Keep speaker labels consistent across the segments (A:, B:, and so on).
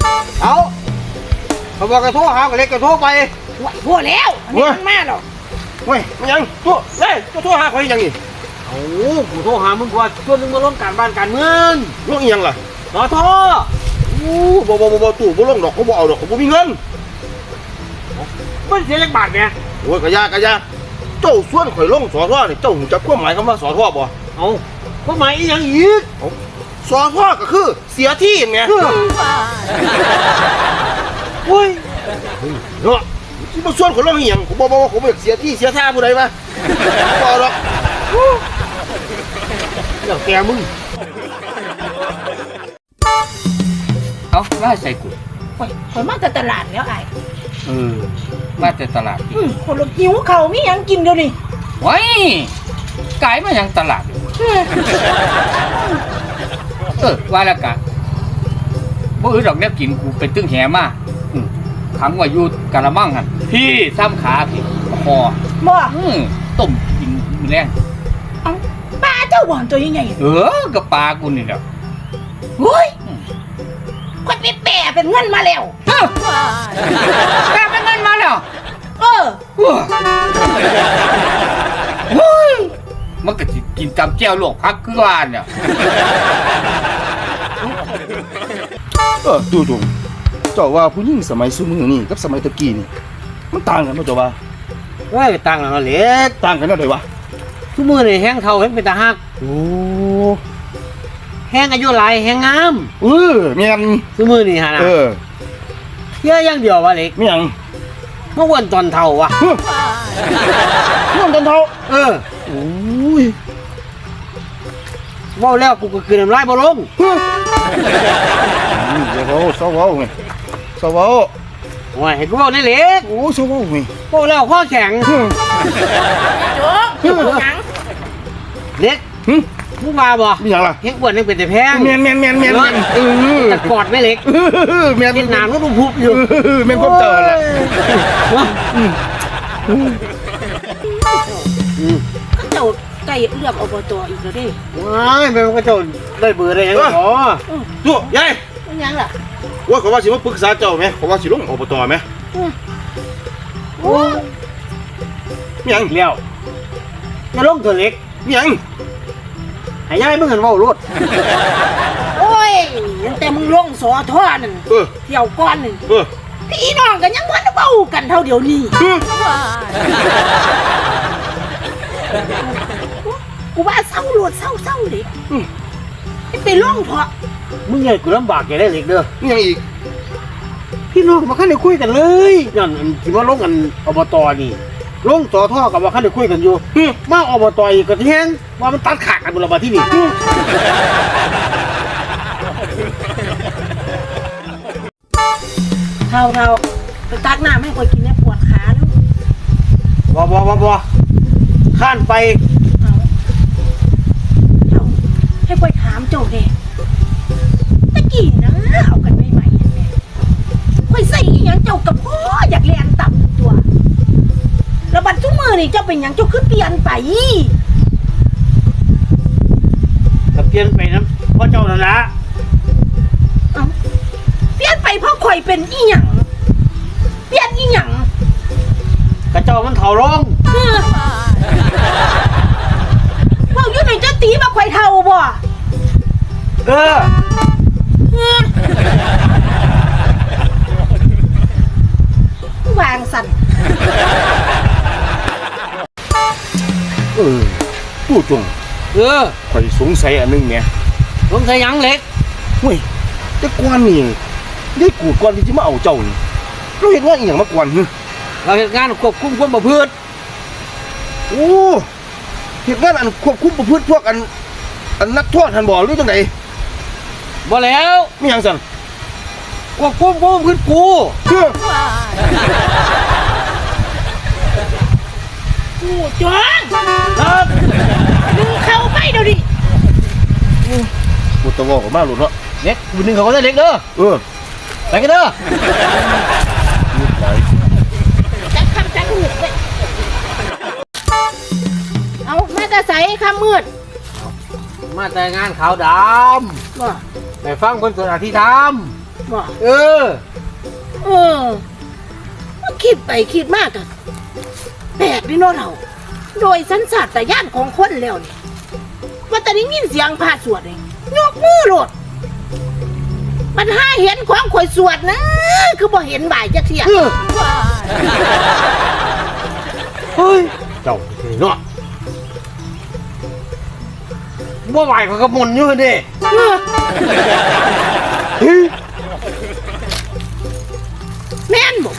A: เอาเขาบอกกระโทษหากระเล็กกระโทษไป
B: พวกแล้วมันมาหรอก
A: เว้ยมันยังตัวเฮ้ยกระโทษหาเขายังนี่
C: โอ้กูโทรหามึงก่อนชวนมึงมาร่วมการบ้านการเมือง
A: ลงอีหยังล่ะ
C: ขอโทษ
A: บ่ตู่บ่ลงดอกเขาบ่เอาดอกเขาบ่มีเงิน
C: มันเสียจักบาทเนี่ย
A: โอ้ยกะยเจ้าส่วนข่อยลงสอทอนี่เจ้าหูจักความหมายคำว่าสอทอบ่
C: เอาความหมายอีหยังอีก
A: สอทอก็คือเสียที่ไง
C: โอ้ย
A: เนาะที่มาส่วนข่อยลงอีหยังผมบอกว่าผมอยากเสียที่เสียท่าผู้ใดมาบ่หรอก
C: เดี๋ยวแกมึง
D: เอาว่าใส่กู
B: คนมาแต่ตลาดแล้วไอ้
D: มาแต่ตลาด
B: คนเราหิวเขามียังกินเดี๋ยวนี้
D: ไว้กายมายังตลาดว่าแล้วกันบ่อื่นดอกแนบกินกูไปตึ้งแหมาขังไว้อยู่กะละมังหั่นพี่ซ้ำขาพี่คอ
B: บ่
D: ต้มกินมื้อแรง
B: ปลาเจ้าบ่อนตัวยังไง
D: กับปลากูนี่แหละ
B: โอ้ยคนไปแปะเป็นเงินมาแล้ว
D: แปะเป็นเงินมาแล้วมันก็สิกินตำแจ่วลวกผักคือว่าเนี่ย
A: ดูเจ้าว่าผู้หญิงสมัยซุมื้อนี่กับสมัยตะกี้นี่มันต่างกันบ่เจ้าว่า
C: ว่าต่างกันเล็ก
A: ต่างกันได้วะ
C: ซุมื้อนี่แห้งเฒ่าแห้งเป็นตาฮัก
A: โอ้
C: แห้งอายุหลายแห้งงาม
A: แม่น
C: ซุมื้อนี่หั่นน่ะเยอะอย่างเดียวว่าเล็ก
A: แม่น
C: เมื่อวันตอนเฒ่าวะ
A: เมื่อวันตอนเฒ่า
C: โอ้ยเว้าแล้วกูก็คืนน้ำลายบ่ลง
A: เดี๋ยวเศร้าเว้าไงเศร้าเว้า
C: โอ้ยเห็นกูเว้าได้เล็ก
A: โอ้เศร้าเว้าไง
C: เว้าแล้วข้อแข็ง
B: โจ๊กหยัง
C: เล็กมึงมาบ่
A: มีหยังล่ะ
C: เฮ็ดอ้วนนึงเป็นแต่แพง
A: แม่น
C: แต่กอดไม่เล็ก
A: แม่น
C: เฮ็ดหนามก็ดูพุบอยู่
A: แม่นความเติร์ล่ะ
B: เจ้าไก่เลือกอบตอีกแล้วดิ
C: ว้ายแม่มันก็เจ้าได้เบอร์ได้ยังหรอ
A: ตัวยาย
B: ยังล่ะ
A: ว่าเขาว่าสิมาปรึกษาเจ้าไหมเขาว่าสิลงอบตไหม
B: โอ้
A: มีหยัง
C: แล้วจะลงตัวเล็ก
A: มีหยัง
C: ให้ยายมึงเห็นว่ารถ
B: โอ้ยแต่มึงลงสอท่อนั่นเที่ยวก้อนนึงพี่น้องกันยังพันเบากันเท่าเดียวนี้กูว่าเศร้าหลวดเศร้าดิไปล่องเพาะ
C: มึงใหญ่กูลำบากแกได้เล็กเด้อ
A: มียังอีก
C: พี่น้องมาขั้นได้คุยกันเลยนั่นที่ว่าลงกันอบตนี่ลงต่อท่อกับว่าขั้นได้คุยกันอยู่มาอบตอีกก็แห้งว่ามันตัดขาดกันบุรพาที่นี่
B: เท่าไปตักน้ำให้คอยกินได้ปวดขาแล้ว
C: บ่ข้านไป
B: ให้คอยถามเจ้าเด็กตะกี้นะเอากันใหม่ๆเนี่ยคอยใส่อีหยังเจ้ากับพ่ออยากเรียนต่ำตัวแล้วบัดทุกมือนี่เจ้าเป็นหยังเจ้าคือเปลี่ยนไป
C: ก็เปลี่ยนไปนะเพราะเจ้านั่นละ
B: เปลี่ยนไปเพราะคอยเป็นอีหยังเปลี่ยนอีหยัง
C: กระเจ้ามันเฒ่าลง
B: พวกยุ่งในเจ้าตีมาคอยเฒ่าบ่วางสั่น
A: พูดตรงข่อยสงสัยอันนึงเนี่ย
C: สงสัยยังเล็ก
A: เฮ้ยแต่กวนนี่ได้กูดกวนที่จะมาเอาเจ้านี่เราเห็นว่าอีหยังมากวน
C: เราเห็นงานควบคุมความประพฤติ
A: โอ้เห็นงานอันควบคุมประพฤติพวกอันนักโทษทันบ่หรือจังได
C: บ่แล้ว
A: มีหยังสั่น
C: ควบคุมความประพฤติกู
B: จ้องดึงเข้าไปเดี๋ยวดิ
A: บุตรวอกมาหลุดเนาะ
C: เล็กบุญหนึ่งเขาก็ได้เล็กเด้อไปกันเด้อ
B: จักคำจักมืดเลยเอามาแต่ใส่คำมืด
C: มาแต่งานขาวดำไปฟังคนสวดอธิธรรม
B: บ่
C: เออ
B: เออคิดไปคิดมากอะแปลกดิเนาะเราโดยสัญชาตญาณของคนแล้วนี่ว่าแต่ได้ยินเสียงพระสวดนี่ยกมือโลดปัญหาเห็นของข่อยสวดนะคือบ่เห็นบ่ายจักเที่ย
C: เฮ้ยเจ้าเนาะบ่ไหวเขาก็มนอยู่เด้
B: เออ
C: เฮ้ย
B: แม่นบ่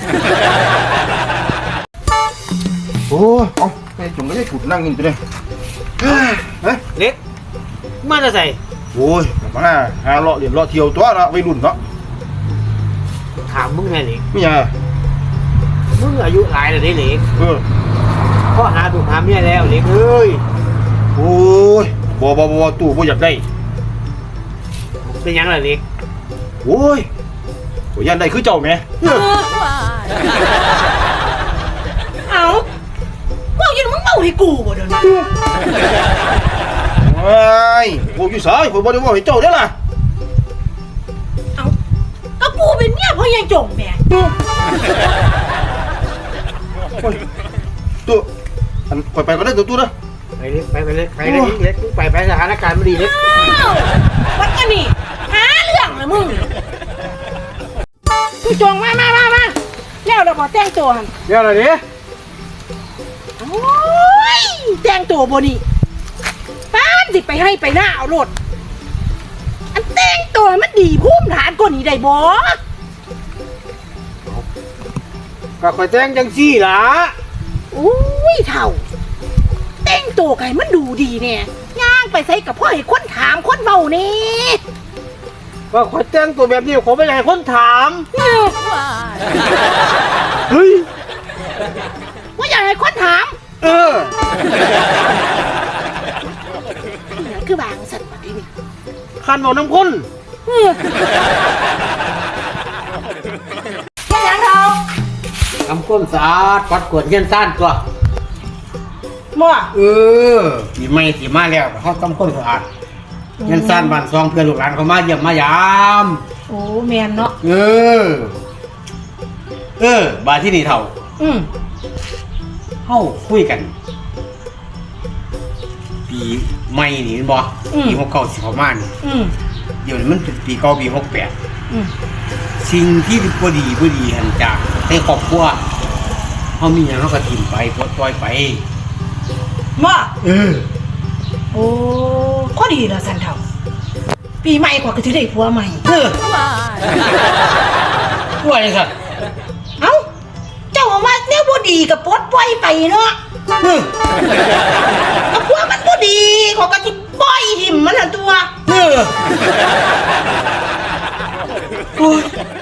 A: โอ้เอาไปจุ่มไม่ได้ถูกนั่งกินตัวเลยเฮ้ย
C: เล็กมาจะใส่
A: โอ้ยมาหาเลาะเรียนเลาะเที่ยวตัวละวัยรุ่นเนาะ
C: ถามมึงไงเล็ก
A: ไม่ยัง
C: มึงอายุหลายแล้วเด้เล็ก
A: พ่อ
C: หาถูกหาเมียแล้วเล็กเอ้ย
A: โอ้ยบ่ตู่บ่อยากได้
C: เป็นหยังล่ะเล็ก
A: โอ้ยบ่ยันได้คือเจ้าแม่
B: เอาเว้าอยู่มึงเว้าให้กูบ่เดี๋ยวนี้
A: ไอ้บ่อยู่สายผมบ่ได้ว่าให้เจ้าเด้อล่ะ
B: เอาก็กูเป็นเมียพ่อใหญ่จงแหม่
A: โอ้ยตู่อันไปก็ได้ตู่เด้อ
C: ไปเล็กไปเล็กไปเล็กเล็กไปสถานการณ์ไม่ดีเล็ก
B: อ้าววัดกันนี่หาเรื่องเลยมึงกูจงมาแล้วเราบ่แต่งตัวหั่น
C: เดี๋ยวอะไรเนี่ย
B: โอ้ยแต่งตัวบ่นี่ป้านสิไปให้ไปหน้าเอาโลดอันแต่งตัวมันดีภูมิฐานกว่านี้ได้บ่
C: ก็คอยแจ้งจังซี่ล่ะ
B: อุ้ยเท่าแต่งตัวไก่มันดูดีเนี่ยย่างไปใส่กับพ่อให้คนถามคนเบานี่
C: ก็คอยแจ้งตัวแบบนี้ผมไม่อยากให้คนถาม
B: เออ
C: เฮ้ย
B: ว่าอยากให้คนถาม
C: เออ
B: นี่คือบางสัตว์แบบนี้
C: คันบอกน้ำคน
B: เออแค่นั้นเรา
C: ทำก้นสะอาดปัดกวดเงี้ยนซ่านตัว
B: มั่ว
C: เออสีไม่สีมาแล้วเขาต้องก้นสะอาดเงี้ยนซ่านบ้านซองเพื่อนลูกหลานเขามาเยี่ยมมายาม
B: โอ้แมนเนาะ
C: บาที่นี่เท่า
B: อืม
C: เข้าคุยกัน ปีใหม่นี่บ่ปี69สิเขามานี่
B: อืม
C: เดี๋ยวนี้มันเป็นปีเก่าปี68
B: อืม
C: สิ่งที่บ่ดีหันจากในครอบครัวเฮามีหยังเฮาก็ทิ่มไปปลดปล่อยไป
B: มั่ว
C: เออ
B: โอ้ข้อดีละสันเท่าปีใหม่กว่าก็จะได้ผัวใหม่
C: ว่าจังซั่น
B: เอ้าเจ้าว่าแนวบ่ดีกับปลดปล่อยไปเนาะ กับพวกมันบ่ดีเขาก็สิปล่อยหิมมันน่ะตัว
C: โอ้ย